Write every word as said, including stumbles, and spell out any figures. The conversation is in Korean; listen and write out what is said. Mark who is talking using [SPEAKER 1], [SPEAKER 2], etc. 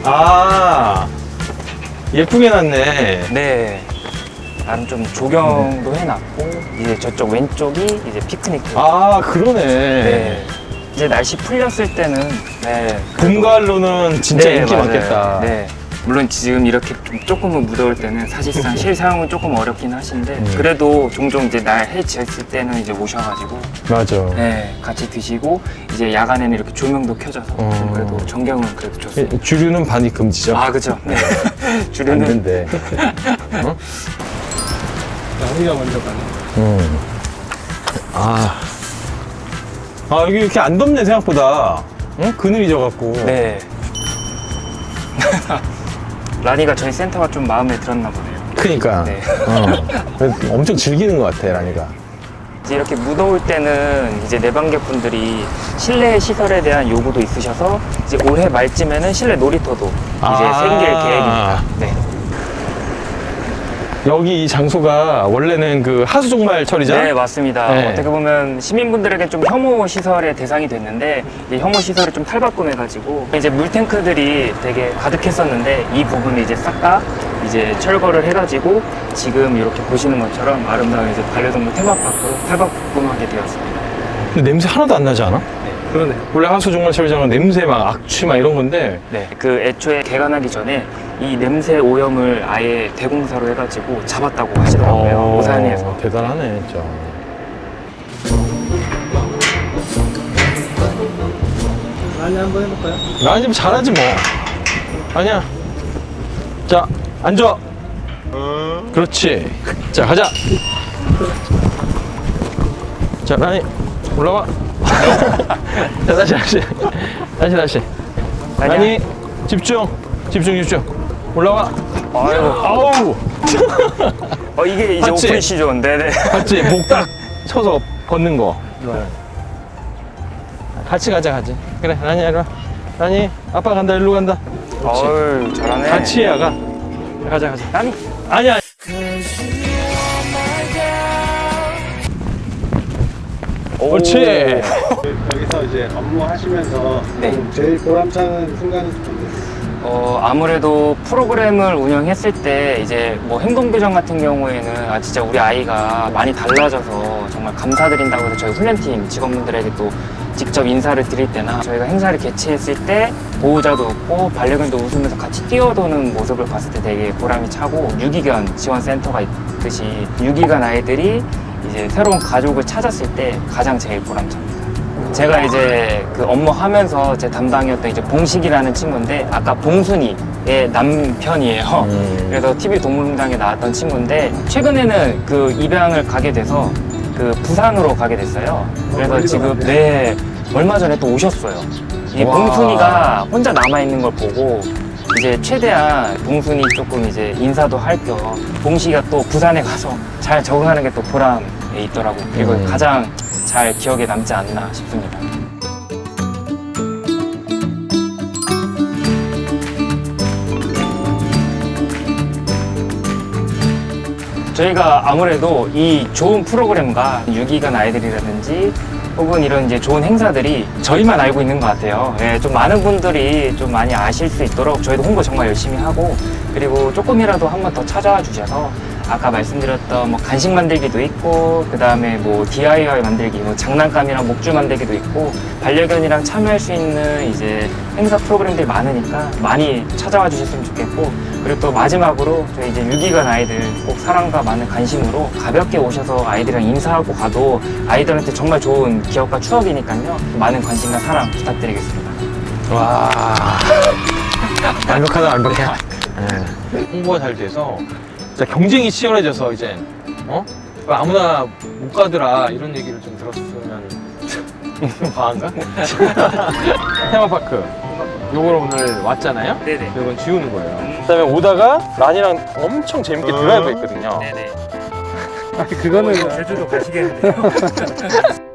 [SPEAKER 1] 아, 예쁘게 놨네.
[SPEAKER 2] 네. 나름 좀 조경도 해놨고, 이제 저쪽 왼쪽이 이제 피크닉.
[SPEAKER 1] 아, 그러네.
[SPEAKER 2] 네. 이제 날씨 풀렸을 때는, 네.
[SPEAKER 1] 봄, 가을로는 진짜
[SPEAKER 2] 네,
[SPEAKER 1] 인기
[SPEAKER 2] 맞아요.
[SPEAKER 1] 많겠다.
[SPEAKER 2] 네. 물론 지금 이렇게 좀 조금은 무더울 때는 사실상 실사용은 조금 어렵긴 하신데,
[SPEAKER 1] 음.
[SPEAKER 2] 그래도 종종 이제 날 해 지었을 때는 이제 오셔가지고,
[SPEAKER 1] 맞아.
[SPEAKER 2] 네. 같이 드시고, 이제 야간에는 이렇게 조명도 켜져서,
[SPEAKER 1] 어.
[SPEAKER 2] 좀 그래도 전경은 그래도 좋습니다.
[SPEAKER 1] 주류는 반입 금지죠.
[SPEAKER 2] 아, 그죠. 네.
[SPEAKER 1] 안
[SPEAKER 2] 주류는.
[SPEAKER 1] 된대. 어?
[SPEAKER 3] 우리가 먼저 가네.
[SPEAKER 1] 음. 아. 아, 여기 이렇게 안 덥네, 생각보다. 응? 그늘이 져갖고.
[SPEAKER 2] 네. 라니가 저희 센터가 좀 마음에 들었나 보네요.
[SPEAKER 1] 그니까.
[SPEAKER 2] 네.
[SPEAKER 1] 어. 그래서 엄청 즐기는 것 같아, 라니가.
[SPEAKER 2] 이제 이렇게 무더울 때는 이제 내방객분들이 실내 시설에 대한 요구도 있으셔서 이제 올해 말쯤에는 실내 놀이터도 이제
[SPEAKER 1] 아.
[SPEAKER 2] 생길 계획입니다. 네.
[SPEAKER 1] 여기 이 장소가 원래는 그 하수종말 처리장?
[SPEAKER 2] 네, 맞습니다.
[SPEAKER 1] 네.
[SPEAKER 2] 어떻게 보면 시민분들에게 좀 혐오 시설의 대상이 됐는데 이 혐오 시설을 좀 탈바꿈해가지고 이제 물탱크들이 되게 가득했었는데 이 부분을 이제 싹 다 이제 철거를 해가지고 지금 이렇게 보시는 것처럼 아름다운 이제 반려동물 테마파크로 탈바꿈하게 되었습니다.
[SPEAKER 1] 근데 냄새 하나도 안 나지 않아?
[SPEAKER 3] 그러네.
[SPEAKER 1] 원래 하수종말 처리장은 냄새 막 악취 막 이런 건데.
[SPEAKER 2] 네, 그 애초에 개관하기 전에 이 냄새 오염을 아예 대공사로 해가지고 잡았다고 하시더라고요.
[SPEAKER 1] 어,
[SPEAKER 2] 오산에서.
[SPEAKER 1] 대단하네, 진짜.
[SPEAKER 3] 라니 한번 해볼까요?
[SPEAKER 1] 라니 좀 잘하지 뭐. 아니야. 자, 앉아. 그렇지. 자, 가자. 자, 라니 올라와. 자, 다시, 다시. 다시, 다시.
[SPEAKER 2] 라니야.
[SPEAKER 1] 라니 집중. 집중, 집중. 올라와.
[SPEAKER 2] 아이고.
[SPEAKER 1] 아우.
[SPEAKER 2] 어, 이게 이제
[SPEAKER 1] 맞지?
[SPEAKER 2] 오픈 시즌. 네네.
[SPEAKER 1] 봤지? 목 딱 쳐서 걷는 거. 같이 가자, 같이. 그래, 라니 이리 와. 라니, 아빠 간다, 일로 간다. 그렇지.
[SPEAKER 2] 어우, 잘하네.
[SPEAKER 1] 같이 해야 가. 가자, 가자.
[SPEAKER 2] 라니.
[SPEAKER 1] 아니야. 그렇지.
[SPEAKER 3] 여기서 이제 업무하시면서
[SPEAKER 2] 네.
[SPEAKER 3] 좀 제일 보람차는 순간은 언제?
[SPEAKER 2] 어, 아무래도 프로그램을 운영했을 때 이제 뭐 행동교정 같은 경우에는 아, 진짜 우리 아이가 많이 달라져서 정말 감사드린다고 해서 저희 훈련팀 직원분들에게 또 직접 인사를 드릴 때나 저희가 행사를 개최했을 때 보호자도 없고 반려견도 웃으면서 같이 뛰어도는 모습을 봤을 때 되게 보람이 차고 유기견 지원센터가 있듯이 유기견 아이들이 이제 새로운 가족을 찾았을 때 가장 제일 보람찹니다. 제가 이제 그 업무 하면서 제 담당이었던 이제 봉식이라는 친구인데 아까 봉순이의 남편이에요.
[SPEAKER 1] 음.
[SPEAKER 2] 그래서 티비 동물농장에 나왔던 친구인데 최근에는 그 입양을 가게 돼서 그 부산으로 가게 됐어요. 그래서
[SPEAKER 3] 멀리도
[SPEAKER 2] 지금
[SPEAKER 3] 갔네.
[SPEAKER 2] 네 얼마 전에 또 오셨어요. 이
[SPEAKER 1] 와.
[SPEAKER 2] 봉순이가 혼자 남아 있는 걸 보고 이제 최대한 봉순이 조금 이제 인사도 할 겸 봉식이가 또 부산에 가서 잘 적응하는 게 또 보람에 있더라고요. 그리고
[SPEAKER 1] 음.
[SPEAKER 2] 가장 잘 기억에 남지 않나 싶습니다. 저희가 아무래도 이 좋은 프로그램과 유기견 아이들이라든지 혹은 이런 이제 좋은 행사들이 저희만 알고 있는 것 같아요. 예, 좀 많은 분들이 좀 많이 아실 수 있도록 저희도 홍보 정말 열심히 하고 그리고 조금이라도 한 번 더 찾아와 주셔서 아까 말씀드렸던 뭐 간식 만들기도 있고 그 다음에 뭐 디아이와이 만들기, 뭐 장난감이랑 목줄 만들기도 있고 반려견이랑 참여할 수 있는 이제 행사 프로그램들이 많으니까 많이 찾아와 주셨으면 좋겠고 그리고 또 마지막으로 저희 이제 유기견 아이들 꼭 사랑과 많은 관심으로 가볍게 오셔서 아이들이랑 인사하고 가도 아이들한테 정말 좋은 기억과 추억이니까요 많은 관심과 사랑 부탁드리겠습니다.
[SPEAKER 1] 와. 완벽하다, 완벽해. 네. 홍보가 잘 돼서 진짜 경쟁이 치열해져서 이제 어? 아무나 못 가더라 이런 얘기를 좀 들었으면 좀 과한가? 테마파크 요걸 오늘 왔잖아요?
[SPEAKER 2] 네네.
[SPEAKER 1] 이건 지우는 거예요. 그다음에 오다가 란이랑 엄청 재밌게 드라이브 했거든요.
[SPEAKER 2] 네네.
[SPEAKER 3] 그거는
[SPEAKER 2] 제주도 가시겠는데요?